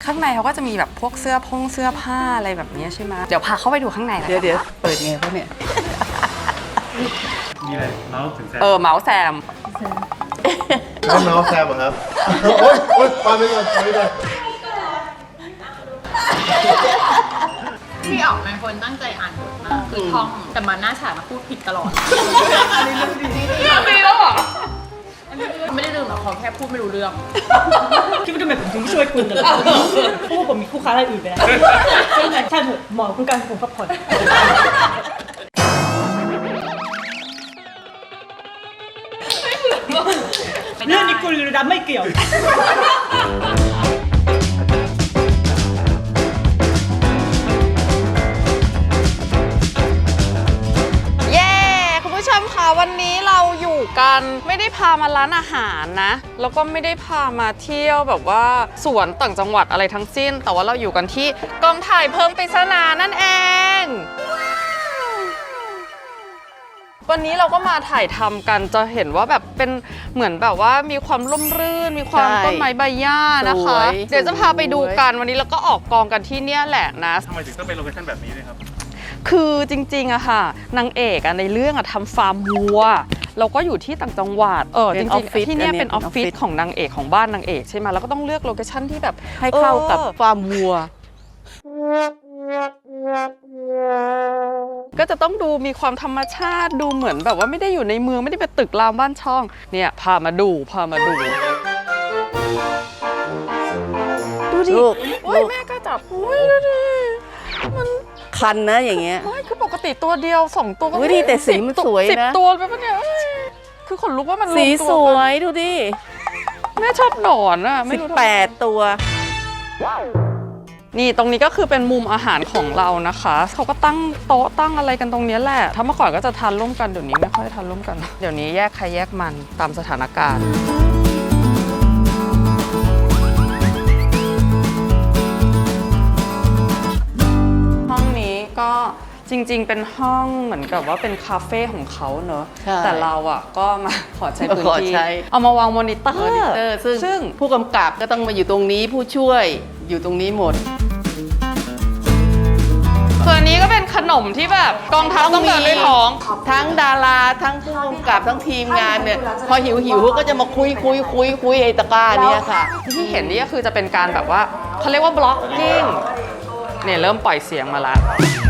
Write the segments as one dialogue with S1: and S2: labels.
S1: ข้างในเขาก็จะมีแบบพวกเสื้อผ้าอะไรแบบนี้ใช่ไหมเดี๋ยวพาเข้าไปดูข้างในนะ
S2: เดี๋ยวเปิดไงพวกเนี่ย
S3: มีอะไรเมาส์ถึงแซม
S1: เมาส์แซม
S4: ไม่เมาส์แซมเหรอครับ โอ๊ยปาไปก่อนปาไปก่อน
S5: พี่อ๋องเป็นคนตั้งใจอ่านบทมากคือท่องแต่มาหน้าฉากมาพูดผิดตลอดไม่แล้วเหรอไม่ได้ลืมหรอกเขาแค่พูดไม่รู้เรื่อง
S6: คิดว่าทำไมผมถึงไม่ช่วยคุณเลยเพราะว่าผมมีคู่ค้ารายอื่นไปแล้วใช่เถอะหมอคุณการผมพักผ่อนเรื่องนี้กูรีดำไม่เกี่ยว
S1: คุณผู้ชมคะวันนี้เราอยู่กันไม่ได้พามาร้านอาหารนะแล้วก็ไม่ได้พามาเที่ยวแบบว่าสวนต่างจังหวัดอะไรทั้งสิ้นแต่ว่าเราอยู่กันที่กองถ่ายเพิ่มปริศนานั่นเองวันนี้เราก็มาถ่ายทำกันจะเห็นว่าแบบเป็นเหมือนแบบว่ามีความร่มรื่นมีความต้นไม้ใบหญ้านะคะเดี๋ยวจะพาไปดูกันวันนี้เราก็ออกกองกันที่เนี่ยแหละนะ
S3: ทำไมถึงต้องเป็นโลเคชั่นแบบนี้เลยครับ
S1: คือจริงๆอะค่ะนางเอกอะในเรื่องอะทำฟาร์มวัวเราก็อยู่ที่ต่างจังหวัดจริงๆที่เนี่ยเป็นออฟฟิศของนางเอกของบ้านนางเอกใช่ไหมแล้วก็ต้องเลือกโลเคชั่นที่แบบ
S2: ให้เข้ากับฟาร์มวัว
S1: ก็จะต้องดูมีความธรรมชาติดูเหมือนแบบว่าไม่ได้อยู่ในเมืองไม่ได้เป็นตึกรามบ้านช่องเนี่ยพามาดูดูดิโอ้ยแม่ก็จับอุ้ยดูดิมัน
S2: คันนะอย่างเงี้ย
S1: ไม่คือปกติตัวเดียว2ตัวก็
S2: ไม่ดีแต่สีมันสวยนะ
S1: 10 ตัวไปปะเนี่ยคือขนลุกว่ามัน
S2: สีสวยดูดิ
S1: แม่ชอบหนอนอะไม่รู้
S2: 18 ตัว
S1: นี่ตรงนี้ก็คือเป็นมุมอาหารของเรานะคะเขาก็ตั้งโต๊ะตั้งอะไรกันตรงนี้แหละถ้าเมื่อก่อนก็จะทานร่วมกันเดี๋ยวนี้ไม่ค่อยทานร่วมกันเดี๋ยวนี้แยกใครแยกมันตามสถานการณ์ห้องนี้ก็จริงๆเป็นห้องเหมือนกับว่าเป็นคาเฟ่ของเขาเนอะแต่เราอ่ะก็มาขอใช้พื้นที่เอามาวางมอนิเตอร์
S2: ซึ่งผู้กำกับก็ต้องมาอยู่ตรงนี้ผู้ช่วยอยู่ตรงนี้หมด
S1: ส่วนนี้ก็เป็นขนมที่แบบกองทัพต้องเดินด้วยท้อง
S2: ทั้งดาราทั้งผู้กำกับทั้งทีมงานเนี่ยพอหิวก็จะมาคุยไอ้ตะกร้าเนี่ยค่ะ
S1: ที่เห็นนี่ก็คือจะเป็นการแบบว่าเขาเรียกว่าบล็อกกิ้งเนี่ยเริ่มปล่อยเสียงมาแล้ว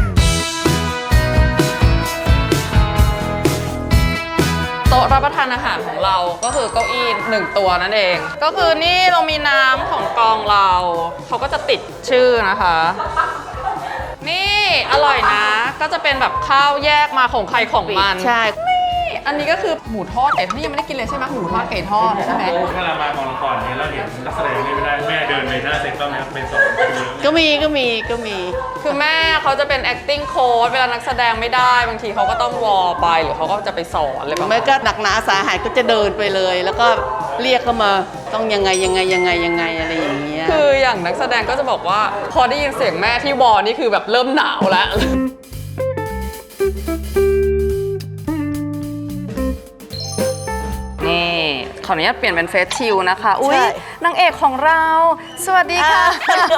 S1: โต๊ะรับประทานอาหารของเราก็คือเก้าอี้1 ตัวนั่นเองก็คือนี่เรามีน้ำของกองเราเขาก็จะติดชื่อนะคะนี่อร่อยนะก็จะเป็นแบบข้าวแยกมาของใครของมัน
S2: ใช่
S1: อันนี้ก็คือหมูทอดไก่ทอดนี่ยังไม่ได้กินเลยใช่ไหมหมูทอดไก่ทอดใช่ไหม
S3: ถ้าเรามากองละครเนี่ยเราเห็นนักแสดงไม่ได้แม่เดินไปหน้าเซ็ตต้องไปสอน
S2: ก็มี
S1: คือแม่เขาจะเป็น acting coach เวลานักแสดงไม่ได้บางทีเขาก็ต้องวอลไปหรือเขาก็จะไปสอนอะไรแบบนี้
S2: ไม่ก็หนักหนาสาหัสก็จะเดินไปเลยแล้วก็เรียกเข้ามาต้องยังไงอะไรอย่างเงี้ย
S1: คืออย่างนักแสดงก็จะบอกว่าพอได้ยินเสียงแม่ที่วอลนี่คือแบบเริ่มหนาวแล้วนี่ขออนุญาตเปลี่ยนเป็นเฟซชิลนะคะอุ้ยนางเอกของเราสวัสดีค่ะ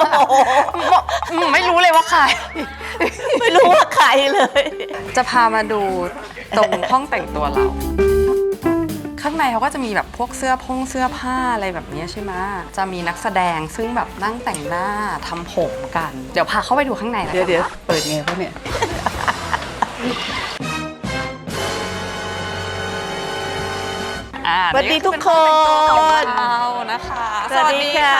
S1: ไม่รู้เลยว่าใคร
S2: ไม่รู้ว่าใครเลย
S1: จะพามาดูตรงห้องแต่งตัวเราข้างในเขาก็จะมีแบบพวกเสื้อผ้าอะไรแบบนี้ใช่ไหมจะมีนักแสดงซึ่งแบบนั่งแต่งหน้าทำผมกันเดี๋ยวพาเข้าไปดูข้างในนะ
S2: เดี๋ยวเปิดไงพวกเนี่ยสวัสดีทุกคน
S1: นะคะ
S2: สวัสดีค่ะ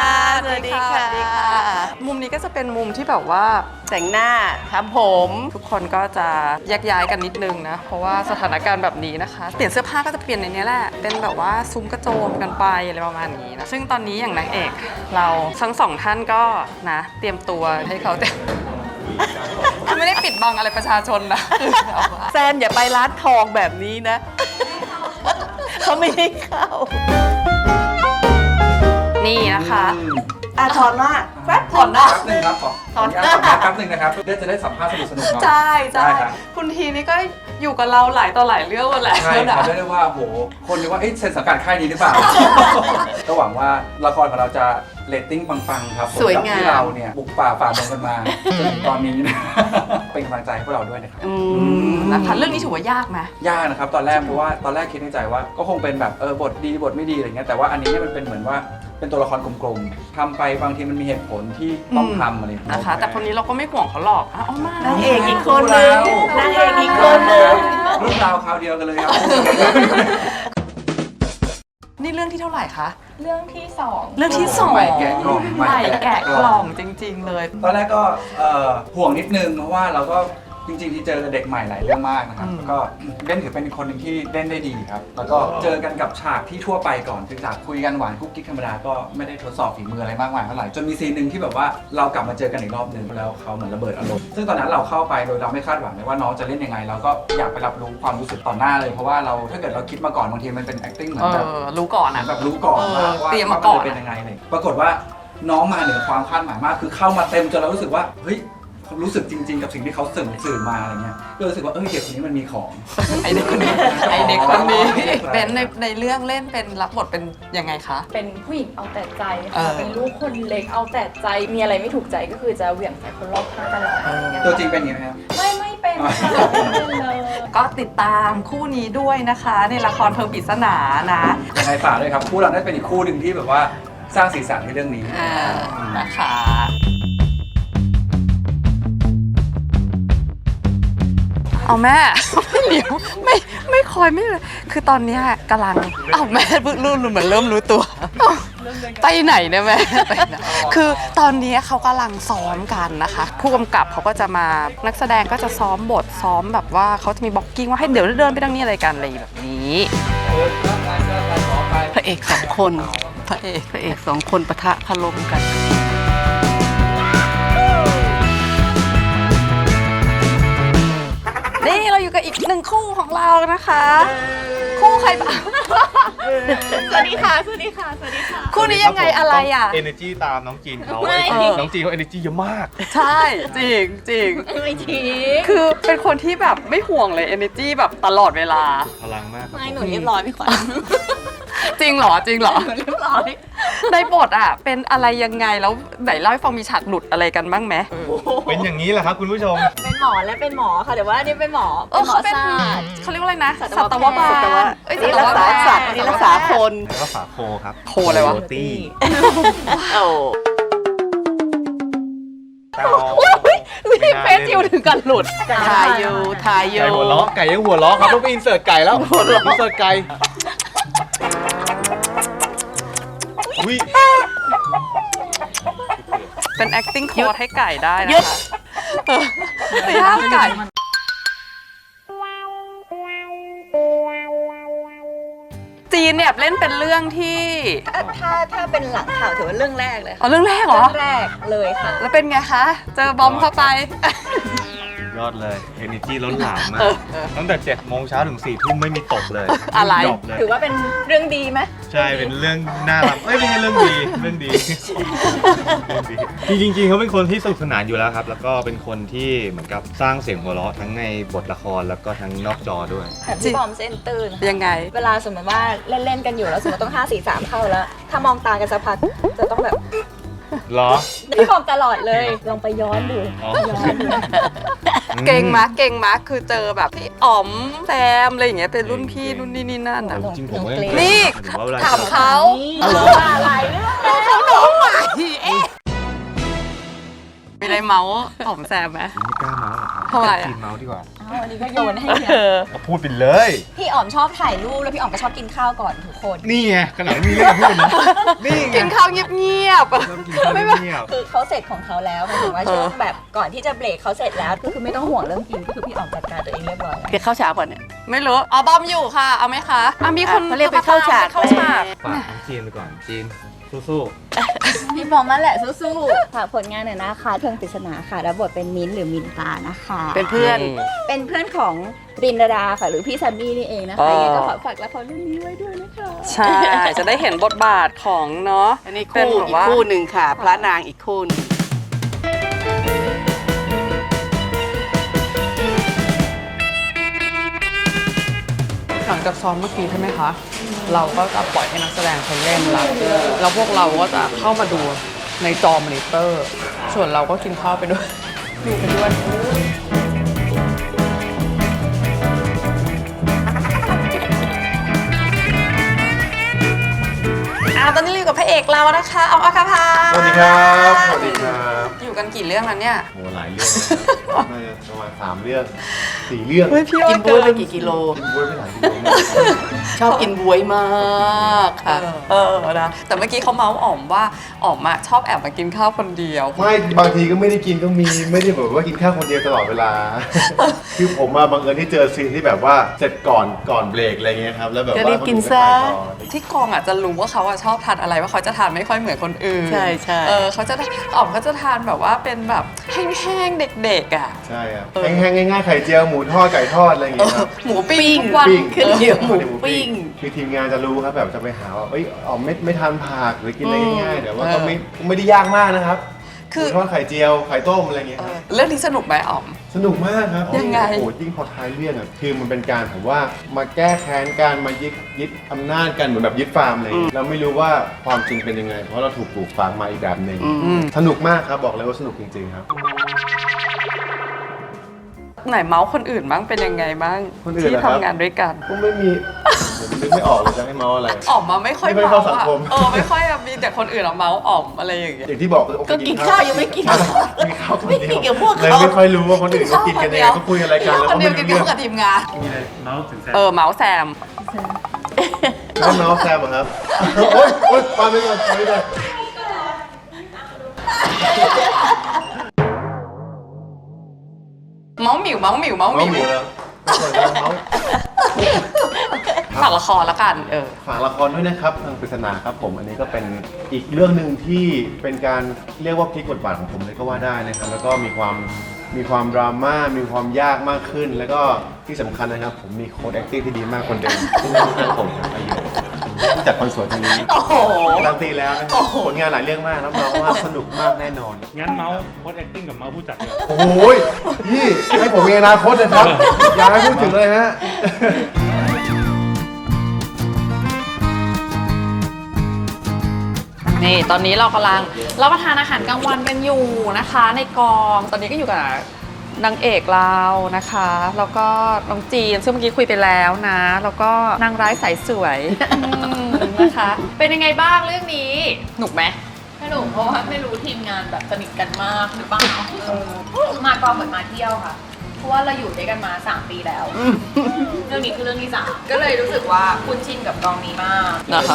S1: มุมนี้ก็จะเป็นมุมที่แบบว่า
S2: แต่งหน้าทำผม
S1: ทุกคนก็จะแยกย้ายกันนิดนึงนะเพราะว่าสถานการณ์แบบนี้นะคะเปลี่ยนเสื้อผ้าก็จะเปลี่ยนในนี้แหละเป็นแบบว่าซุ้มกระโจมกันไปอะไรประมาณนี้นะซึ่งตอนนี้อย่างนางเอกเราทั้ง2 ท่านก็นะเตรียมตัวให้เขาไม่ได้ปิดบังอะไรประชาชนนะ
S2: แซมอย่าไปร้านทองแบบนี้นะเขาไม่ให้เข้า
S1: นี่นะคะ
S2: ถอนหน้า
S1: แป๊บถอนหน้า
S7: แป๊บนึงครับถอนหน้าแป๊บนึงนะครับเพื่อจะได้สัมภาษณ์สนุกๆ
S1: ใช่คุณทีนี่ก็อยู่กับเราหลายต่อหลายเรื่องมาแล้ว
S7: ใช่ครับได้ว่าโหคนนึกว่าเซ็นสังกัดค่ายนี้หรือเปล่าก็หวังว่าละครของเราจะเรตติ้งปังๆครับ
S2: สวยงาม
S7: ที่เราเนี่ยบุกป่าฝ่าดงกันมาจนถึงตอนนี้นะ เป็นกำลังใจให้พวกเราด้วยนะครับ
S1: นะคะเรื่องนี้ถือว่ายากไหม
S7: ยากนะครับตอนแรกเพราะว่าตอนแรกคิดในใจว่าก็คงเป็นแบบบทดีบทไม่ดีอะไรเงี้ยแต่ว่าอันนี้เนี่ยมันเป็นเหมือนว่าเป็นตัวละครกลมๆทำไปบางทีมันมีเหตุผลที่ต้องทำอะไรอย่างเงี้ย
S1: นะคะ แต่คนนี้เราก็ไม่ห่วงเขาหรอกอ๋อมาก
S6: นางเอกอีกคนนึงนางเอกอีกคนนึง
S7: รุ่นราวคราวเดียวกันเลยครับ
S1: นี่เรื่องที่เท่าไหร่คะ
S5: เรื่องที่สอง
S1: เรื่องที่สอง
S7: ใหม่แกะกล่อง
S1: ใหม่แกะกล่องจริง ๆ เลย
S7: ตอนแรกก็ห่วงนิดนึงเพราะว่าเราก็จริงๆที่เจอเด็กใหม่หลายเรื่องมากนะครับแล้วก็เล่นถือเป็นคนหนึ่งที่เล่นได้ดีครับแล้วก็เจอกันกับฉากที่ทั่วไปก่อนคือฉากคุยกันหวานกุ๊กกิ๊กธรรมดาก็ไม่ได้ทดสอบฝีมืออะไรมากมายเท่าไหร่จนมีซีนหนึ่งที่แบบว่าเรากลับมาเจอกันอีกรอบหนึ่งแล้วเขาเหมือนระเบิดอารมณ์ซึ่งตอนนั้นเราเข้าไปโดยเราไม่คาดหวังเลยว่าน้องจะเล่นยังไงเราก็อยากไปรับรู้ความรู้สึกต่อหน้าเลยเพราะว่าเราถ้าเกิดเราคิดมาก่อนบางทีมันเป็น acting เหมือนแบบ
S1: รู้ก่อน
S7: เหมือ
S1: อ่ะ
S7: นแบบรู้ก่อนว่า
S1: เตรียมมาก่อน
S7: จะเป็นยังไงเลยปรากฏว่าน้องมาเหนือความคาดหมายมากคือเข้ามาเต็มจนเรารู้สึกว่าเฮ้ยรู้สึกจริงๆกับสิ่งที่เขาสื่อมาอะไรเงี้ยก็รู้สึกว่าเด็กคนนี้มันมีของ
S1: ไอเด็กคนนี้ไอเด็กคนนี้เป็นในเรื่องเล่นเป็นรับบทเป็นยังไงคะ
S5: เป็นผู้หญิงเอาแต่ใจ
S1: เอ
S5: ค่ะ
S1: อ
S5: เป็นลูกคนเล็กเอาแต่ใจ มีอะไรไม่ถูกใจก็คือจะเหวี่ยงใส่คนรอบข้างตลอดอะไรอย่างเงี้ย
S7: ตัวจริงเป็นอย่างนี้ไหมครับ
S5: ไม่เป็นค่ะไม่เป็นเลย
S1: ก็ติดตามคู่นี้ด้วยนะคะ ในละครเพลิงปริศนานะ
S7: ยังไงฝากด้วยครับคู่เราได้เป็นอีกคู่หนึ่งที่แบบว่าสร้างสีสันในเรื่องนี้
S1: นะคะเอาแม่ เดี๋ยวไม่คอยไม่เลยคือตอนเนี้ยกำลังแม่เพิ่งรู้เหมือนเริ่มรู้ตัวไปไหนเนี่ยแม่ไปไหนคือตอนนี้เขากำลังซ้อมกันนะคะ ผู้กำกับเขาก็จะมานักแสดงก็จะซ้อมบทซ้อมแบบว่าเขาจะมีบล็อกกิ้งว่าให้เดี๋ยวเดินไปทางนี้อะไรกันอะไรแบบนี้พระเอกสองคนพระเอกสองคนปะทะคารมกันนี่เราอยู่กับอีกหนึ่งคู่ของเรานะคะ คู่ใครบ้าง
S5: สวัสดีค่ะ สวัสดีค่ะ สวัสดีค่ะ
S1: คู่นี้ยังไงอะไรอ่ะ
S3: energy ตามน้องจีนเขา
S5: ไม่
S3: น้องจีนเขา energy เยอะมาก
S1: ใช่จริงจริง
S5: ไม่ที
S1: คือเป็นคนที่แบบไม่ห่วงเลย energy แบบตลอดเวลา
S3: พลังมากครับ
S5: ไม่หนูเรียบร้อยพี่ขวัญ
S1: จริงเหรอจริงเหรอ
S5: เรียบร้อย
S1: ในบทอ่ะเป็นอะไรยังไงแล้วไหนเล่าให้ฟังมีฉากหลุดอะไรกันบ้างไหม
S3: เป็นอย่างนี้แหละครับคุณผู้ชม
S5: เป็นหมอและเป็นหมอค่ะแต่ว่าอันนี่เป็นหมอ
S1: เขาเป็น
S5: ศาสตร์
S1: เขาเรียกว่าอะไรนะ
S5: สั
S1: สั
S5: ต
S1: ต
S5: ว
S1: ว
S5: แพ
S1: บา
S5: ทย์
S1: ล
S2: นี่รักษาสัตว์นี่รักษาคน
S3: แล้วก็ฝาโคครับ
S1: โคอะไรวะ
S3: ตี้
S2: โอ้
S1: นี่เฟซจิวถึงกันหลุด
S2: ทายอยู่
S3: ไก่หัวล้อไก่ยังหัวล้อครับต้องไปอินเสิร์ตไก่แล้วอินเสิร์ตไก่อุ้ย
S1: เป็น acting coach ให้ไก่ได้นะคะย่างไก่จีนเนี่ยเล่นเป็นเรื่องที่
S5: ถ้าเป็นหลังข่าวถือว่าเรื่องแรกเลยค่ะ
S1: เรื่องแรกเหรอ
S5: เรื่องแรกเลยค่ะ
S1: แล้วเป็นไงคะ เจอบอมเข้าไป
S3: ยอดเลย energy ล้นหลามมากตั้งแต่7 โมงเช้าถึง4 ทุ่มไม่มีตกเลย
S1: อะไร
S3: ดรอปเลย
S5: ถือว่าเป็นเรื่องดีไหม
S3: ใช่เป็นเรื่องน่ารักไม่ใช่เรื่องดีเรื่องดีจริงๆเขาเป็นคนที่สนุกสนานอยู่แล้วครับ แล้วก็เป็นคนที่เหมือนกับสร้างเสียงหัวเราะทั้งในบทละครแล้วก็ทั้งนอกจอด้วย
S5: แต่พี่บอมเส้นตื่น
S1: ยังไง
S5: เวลาสมมติว่าเล่นๆกันอยู่แล้วสมมติต้อง5 4 3เข้าแล้ว ถ้ามองตากันสักพักจะต้องแบบ
S3: เหรอ
S5: พี่บอมตลอดเลยลองไปย้อนดู
S3: อ๋อ
S1: เก่งมากคือเจอแบบพี่อ๋อมแซมอะไรอย่างเงี้ยเป็นรุ่นพี่รุ่นนี่นี่นั่นอ่ะ
S3: จริงๆผมก็ยัง
S1: นี่
S3: หรือว่าเวล
S1: ถามเขา
S5: อะไรเรื่อง
S1: เขาน้องใหม่มีอะไรเมาส์อ๋อมแซมไหม
S3: ไม่กล้าเมาส์หรอกครับ
S1: ทำไมอะ
S3: จีนเมาส์ดีกว่า
S5: อันนี้ก็โยนให้เนี่ย
S3: ก็พูดไปเลย
S5: พี่อ๋อมชอบถ่ายรูปแล้วพี่อ๋อมก็ชอบกินข้าวก่อนทุกคน
S3: นี่ไงขนาดมีเรื่องพูดนะนี่ไง
S1: กินข้าวเงียบๆ
S3: ชอบกินข้าวเงียบ
S5: คือเขาเสร็จของเขาแล้วหมายถึงว่าช่วงแบบก่อนที่จะเบรกเขาเสร็จแล้วก็คือไม่ต้องห่วงเรื่องกินก็คือพี่อ๋อมจัดการตัวเองเรียบร้อย
S2: เดี๋ยวเข้าฉากก่อนเนี่ย
S1: ไม่รู้อ๋อบอมอยู่ค่ะ เอาไหมคะมีคน
S2: เขาเรียกไปเข้าฉาก
S1: เข้าฉาก
S3: ฝากน้องจีนไปก่อนจีนสู้
S5: พี่บอมนั่นแหละสู้ๆฝากผลงานหน่อยนะคะเพลิงปริศนาค่ะรับบทเป็นมิ้นท์หรือมินตานะคะ
S2: เป็นเพื่อน
S5: เป็นเพื่อนของรินดาค่ะหรือพี่ซันนี่นี่เองนะคะยังไงก็ขอฝากละครเรื่องนี้ไว้ด้วยนะคะ
S1: ใช่จะได้เห็นบทบาทของเนาะ
S2: อันนี้
S1: เป็น
S2: คู่
S1: แบบ
S2: อีก
S1: ว่า
S2: คู่หนึ่งค่ะ พระนางอีกคู่หนึ่ง
S1: หลังจากซ้อมเมื่อกี้ใช่ไหมคะเราก็จะปล่อยให้นักแสดงเขาเล่นแล้วพวกเราก็จะเข้ามาดูในจอมอนิเตอร์ ส่วนเราก็กินข้าวไปด้วยดูไปด้วยตอนนี้เราอยู่กับพระเอกเรานะคะออมอัคคภา
S4: สวัสดีครับสวัสดีครับ
S1: อยู่กันกี่เรื่องแล้วเนี่ย
S4: โหหลายเรื่องนะครับน่าจะประมาณ3 เรื่อง 4 เรื่อง
S1: เฮ้ยพี่
S2: กินบ๊วยไปกี่กิโล
S4: กินบ๊วยไปหลายกิโลมาก
S2: ชอบกินบ๊วยมากค่ะ
S1: นะแต่เมื่อกี้เขาเมาส์อ๋อมว่าอ๋อมอะชอบแอบมากินข้าวคนเดียว
S4: ไม่บางทีก็ไม่ได้กินก็มีไม่ได้แบบว่ากินข้าวคนเดียวตลอดเวลา คือผมมาบังเอิญที่เจอซีนที่แบบว่าเสร็จก่อนเบรกอะไรเงี้ยครับแล้วแบบ
S2: ก็
S4: ว่า
S2: รีบกินซะ
S1: ที่กองอ่ะจะรู้ว่าเขาอะชอบทานอะไรว่าเขาจะทานไม่ค่อยเหมือนคนอื่น
S2: ใช่ใช่
S1: เขาจะอ๋อมเขาจะทานแบบว่าเป็นแบบแห้งๆเด็กๆอ่ะ
S4: ใช่ครับแห้งๆง่ายๆไข่เจียวหมูทอดไก่ทอดอะไรอย่างเงี้ยครับ
S1: หมูปิ้งทุกวัน
S2: ขึ้นเดี๋ยวหมูปิ้ง
S4: คือทีมงานจะรู้ครับแบบจะไปหาว่าเอ้ยอ๋อไม่ทานผักหรือกินอะไรง่ายๆแต่ว่าก็ไม่ได้ยากมากนะครับ
S1: คือ
S4: หมูทอดไข่เจียวไข่ต้มอะไรอย่างเงี้ยครับ
S1: เรื่องนี้สนุกไหมอ๋อม
S4: สนุกมากครับ
S1: ยังไง
S4: โอ้โหยิ่งพอท้ายเรื่องอ่ะคือมันเป็นการผมว่ามาแก้แค้นการมายึดอำนาจกันเหมือนแบบยึดฟาร์มเลยเราไม่รู้ว่าความจริงเป็นยังไง เพราะเราถูกปลูกฝังมาอีกแบบหนึ่งสนุกมากครับบอกเลยว่าสนุกจริงๆครับ
S1: ไหนเมาส์คนอื่นบ้างเป็นยังไงบ้าง
S4: คนอื่นเหร
S1: ที่
S4: อครับ
S1: ทำงานด้วยกัน
S4: ก็ไม่มีผมนึกไม่ออกเลยจะให้เมาอะไร
S1: อ๋อมมาไม่ค่อย
S4: ไม่ค่อย
S1: เมาส์
S4: เข้าสัง
S1: อะ
S4: คม
S1: ไม่ค่อยอะมีแต่คนอื่นอะเมาส์อ๋อมอะไรอย่างเงี้ย
S4: อย่างที่บอกคือ
S2: ก็กินข้าวยังไม่กิน
S4: กินข้าวคนเดียว
S2: ไม่กินกับพวกเขา
S4: เลยไม่ค่อยรู้ว่าคนอื่นเขากินกันยังไงเขาคุยอะไรกันแล้ว
S1: คน
S4: ก็
S1: เดี
S4: ไม่
S1: ยวกิน
S4: รู้
S1: ข้า
S4: เรื่อง
S1: วกับทีมงาน เมาส์แซม
S4: ไม่เมาส์แซมเหรอครับโอ๊ยปาไปก่อนปาไปก่อน
S1: เมาส์หมิวเมาส์หมิวเมาส์ห
S4: เมา
S1: มิ
S4: ส์
S1: ว
S4: หมูแล้วส่วนการเมาส์
S1: ฝากละครแล้วกัน
S4: ฝากละครด้วยนะครับทางปริศนาครับผมอันนี้ก็เป็นอีกเรื่องหนึ่งที่เป็นการเรียกว่าพลิกบทบาทของผมเลยก็ว่าได้นะครับแล้วก็มีความดราม่ามีความยากมากขึ้น แล้วก็ที่สำคัญนะครับผมมีโค้ด acting ที่ดีมากคนเดิมซึ่งเป็นผมครับอายุที่จัดคอนเสิร์ตตรงนี้
S1: โอ้โห
S4: การันตีแล้วนะครับผลงานหลายเรื่องมากรับรองว่าสนุกมากแน่นอน
S8: งั้นเมาส์โค้ดแอคติ้งกับเมาส์ผู้จัดเลย
S4: โอ้โหพี่ให้ผมมีอนาคตนะครับอย่าให้พูดถึงเลยฮะ
S1: นี่ตอนนี้เรากำลังรับประทานอาหารกลางวันกันอยู่นะคะ ในกองตอนนี้ก็อยู่กับนางเอกเรานะคะ แล้วก็น้องจีนซึ่งเมื่อกี้คุยไปแล้วนะ แล้วก็นางร้ายสายสวยนะคะ เป็นยังไงบ้างเรื่องนี้หนุกไหม
S5: สนุกเพราะว่าไม่รู้ทีมงานแบบสนิทกันมากหรือเปล่ามากองเหมือนมาเที่ยวค่ะ เพราะว่าเราอยู่ด้วยกันมา3 ปีแล้ว เรื่องนี้คือเรื่องที่3ก็เลยรู้สึกว่าคุ้นชินกับกองนี้มาก
S1: นะคะ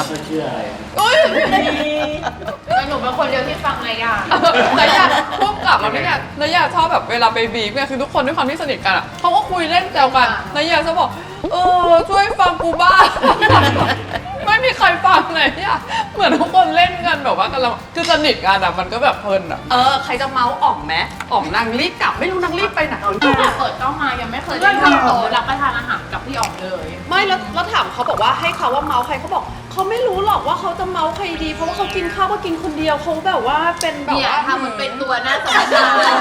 S5: แต่หนูเป็นคนเดียวที่ฟังนายา
S1: นายาพุ่งกลับมาเนี่ยนายาชอบแบบเวลาไปบีบเนี่ยคือทุกคนด้วยความที่สนิทกันอ่ะเขาก็คุยเล่นแซวกันนายาจะบอกช่วยฟังกูบ้าง ไม่มีใครฟังเลยเนี่ยเหมือนทุกคนเล่นกันแบบว่ากำลังคือสนิทกันอ่ะมันก็แบบเพลินอ่ะใครจะเมาส์อ๋อมไหมอ๋อมนางรีบกลับไม่รู้นางรีบไปไหน
S5: ตั้งแต่เปิดกล้องมายังไม่เคยได้ทำโต๊ะรับประทานอาหารกับพี่อ๋อมเลย
S1: ไม่แล้วถามเขาบอกว่าให้เขาว่าเมาส์ใครเขาบอกเขาไม่รู้หรอกว่าเขาจะเมาส์ใครดี เพราะว่าเขากินข้าวก็กินคนเดียวเขาแบบว่าเป็นแบบ
S5: เนี่ย
S1: ว่า
S5: ทำมันเป็นตัวน่าสนใจ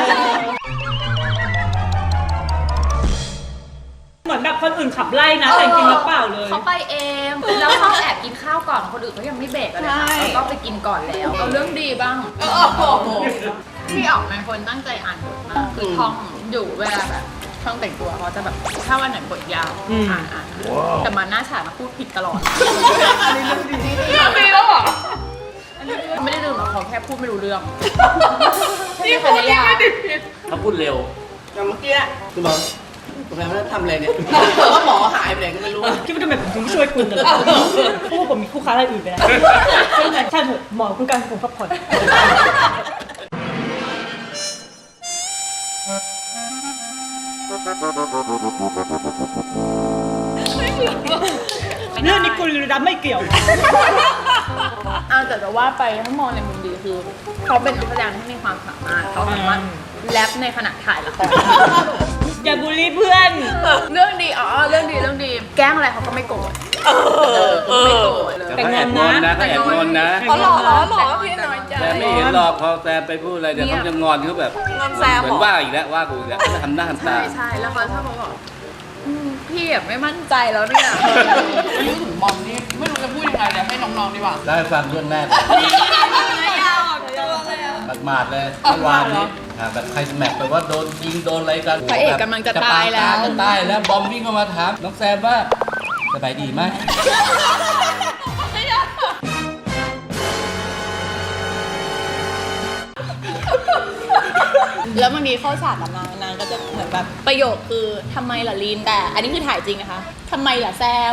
S6: เหมือนแบบคนอื่นขับไล่นะแต่จริงๆแล้วเปล่าเลย
S5: เขาไปเองแล้วเขาแอบกินข้าวก่อนคนอื่นเขายังไม่เบรกเลยค่ะเขาก็ไปกินก่อนแล้วเอาเรื่องดีบ้างพี่อ๋อมเป็นคนตั้งใจอ่านบทมากคือท่องอยู่เวลาแบบท่องแต่งตัวเขาจะแบบถ้าวันไหนบทยาวอ่านแต่มาหน้าฉากมาพูดผิดตลอดอันนี้เรื่องดีแล้วเหรอไม่ได้ลืมหรอกเขาแค่พูดไม่รู้เรื่องนี่พูดยังไม่ติดผิด
S9: เขาพูดเร็ว
S2: อย่างเมื่อกี้คุณหมอคุณแม่ทำอะไรเนี่ยว่าหมอหายไปไหนก็ไม่รู้
S6: คิดว่าทำไมผมถึงไม่ช่วยคุณเลยเพราะว่าผมมีคู่ค้ารายอื่นไปแล้วใช่เถอะหมอคือการผมพักผ่อนเรื่องนี้คุณรับไม่เกี่ยว
S5: แต่จะว่าไปถ้ามองในมุมดีคือเขาเป็นนักแสดงที่มีความสามารถเขาสามารถแรปในขณะถ่ายละคร
S6: อย่าบูลลี่เพื่อน
S5: เรื่องดีเรื่องดีแกล้งอะไรเขาก็ไม่โกรธไม่โกรธเลย
S6: แต่งงอนนะ
S9: เขาแอบงอนนะ
S1: อ๋อหรอพี่น้อยใจ
S9: แต่ไม่เห็นหรอกพอแซมไปพูดอะไรเดี๋ยวเขาจะงอนเขาแบบ
S1: งอนแซม
S9: เหมือนว่าอีกแล้วว่ากูอีกแล้วทำหน้าทำตา
S5: ใช่แล้วเขาชอบบอกพี่แบบไม่มั่นใจแล้วเนี่ยพูดถึงบอมนี่ไม่รู้จะพูดยังไงเลยให้น้องๆดีกว่า
S9: ได้ฟังเรื่องแรก
S5: ยาวอ่ะตัวเลยอ่ะ
S9: หมาดๆเลยเมื่อวานนี้แบบใครแม็กแบบว่าโดนยิงโดนอะไรกัน
S5: พระเอกกำลังจะตายแล้ว
S9: จะตายแล้วบอมวิ่งเข้ามาถามน้องแซมว่าสบายดีไหม
S5: แล้วบางทีเข้าฉากกับนางก็จะเหมือนแบบประโยคคือทำไมล่ะลีนแต่อันนี้คือถ่ายจริงนะคะทำไมล่ะแซม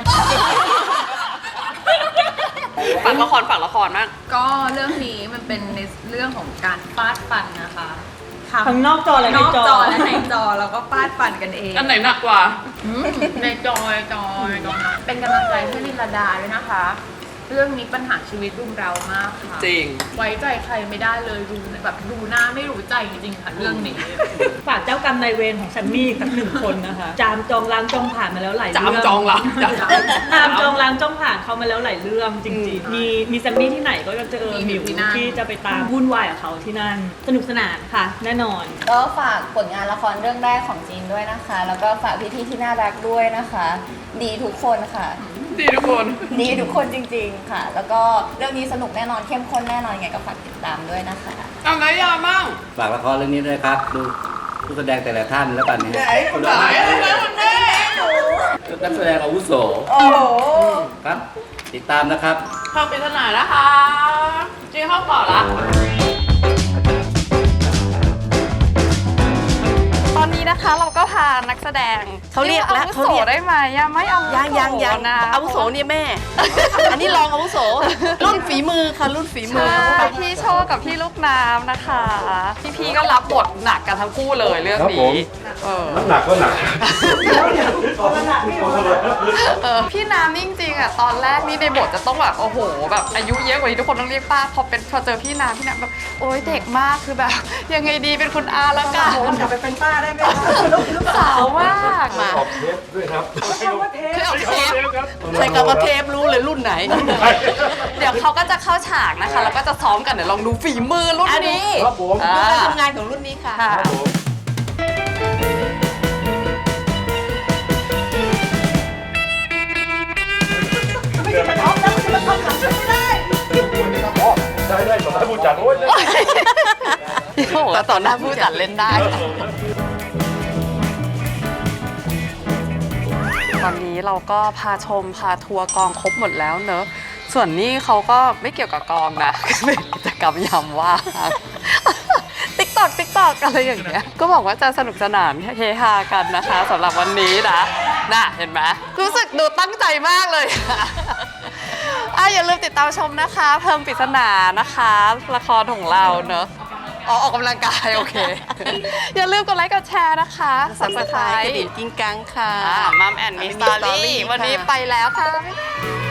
S1: ฝั่งละครมาก
S5: ก็เรื่องนี้มันเป็นในเรื่องของการฟาดฟันนะคะ
S6: ทั้งนอกจอและใน
S5: นอก
S6: จอ
S5: จอและในจอแล้วก็ฟาดฟันกันเอง
S1: อันไหนหนักกว่า
S5: ในจอยเป็นกำลังใจให้ลินลาดาด้วยนะคะ เรื่องนี้ปัญหาชีวิตรุมเรามากค่ะ
S1: จริง
S5: ไว้ใจใครไม่ได้เลยดูแบบดูหน้าไม่รู้ใจจริงๆค่ะเรื่องนี้
S6: ฝากเจ้ากรรมนายเวรของแซมมี่สักหนึ่งคนนะคะ จามจองล้างจองผ่านมาแล้วหลายเรื่อง
S1: จามจองล้าง
S6: ตามจองล้างจองผ่านเขามาแล้วหลายเรื่องจริงๆ มีแซมมี่ที่ไหนก็จะเจอ
S5: มี
S6: หมิว
S5: ที่นั่น
S6: ที่จะไปตามวุ่นวายกับเขาที่นั่น สนุกสนานค่ะ แน่นอน
S10: ก็ฝากผลงานละครเรื่องแรกของจีนด้วยนะคะ แล้วก็ฝากพี่ๆที่น่ารักด้วยนะคะ ดีทุกคนค่ะ
S1: ดีทุกคน
S10: ดีทุกคนจริงๆค่ะ แล้วก็เรื่องนี้สนุกแน่นอนเข้มข้นแน่นอนยังไงก็ฝากติดตามด้วยนะคะ
S1: เอาไหนยามั่ง
S9: ฝากละครเรื่องนี้ด้วยครับ ดูผู้แสดงแต่ละท่านแล้วกันนะฮะ
S1: คนไหนคนแม่
S9: นักแสดงอาวุโส
S10: โอ้โห
S9: ครับ ติดตามนะครับ
S1: เข้าปริศนานะคะจีเข้าต่อละ ตอนนี้นะคะเราก็พานักแสดง
S2: เขาเรียกแล้ว
S1: อาวุโสได้ไหมยังไม่เอาวุโส
S2: ยัง
S1: นะ
S2: อาวุโสเนี่ยแม่ อันนี้รองอาวุโส รุ่นฝีมือค่ะรุ่นฝีมือ
S1: ใช่พี่โชคกับพี่ลูกน้ำนะคะ พี่ๆก็รับบทหนักกันทั้งคู่เลยเรื่อง
S4: ครับผ
S1: นี้
S4: ม
S3: น้ำหนักก็หนัก
S1: พี่น้ำนี่จริงๆอ่ะตอนแรกนี่ในบทจะต้องแบบโอ้โหแบบอายุเยอะกว่านี้ทุกคนต้องเรียกป้าพอเจอพี่น้ำแบบโอ๊ยเด็กมากคือแบบยังไงดีเป็นคุณอาแล้วกัน
S6: กลับไปเป็นป้าได้ไหมคะ
S1: ลูกสาวมากมา
S3: ขอบเทปด้วยครับ
S1: คือเอาเทป
S2: ใส่กับเทปรู้เลยรุ่นไหน
S1: เดี๋ยวเขาก็จะเข้าฉากนะคะ แล้วก็จะซ้อมกันเดี๋ยวลองดูฝีมือรุ่นนี้
S3: ครับผม
S1: อ่า
S2: ดูการทำงานของรุ่นนี้ค่ะ
S1: ค่ะ
S3: ได้ต่อหน้าผู้จัดโอ้ย
S1: พี่เขาบอกว่าต่อหน้าผู้จัดเล่นได้ ตอนนี้เราก็พาชมพาทัวร์กองครบหมดแล้วเนอะ ส่วนนี้เขาก็ไม่เกี่ยวกับกองนะ เป็นกิจกรรมยามว่าง ติ๊กตอกอะไรอย่างเงี้ย ก็บอกว่าจะสนุกสนานเฮฮากันนะคะสำหรับวันนี้นะน่ะเห็นไหมรู้สึกดูตั้งใจมากเลย อย่าลืมติดตามชมนะคะ เพิ่มปริศนานะคะ ละครของเราเนอะออกกำลังกายโอเค อย่าลืมกดไลค์กดแชร์นะคะ
S2: สับสไครต์กระดิ่งกิ้งกังค่ะ
S1: มัมแอนด์มิสตอรี่
S2: ค่ะ
S1: วันนี้ไปแล้วค่ะ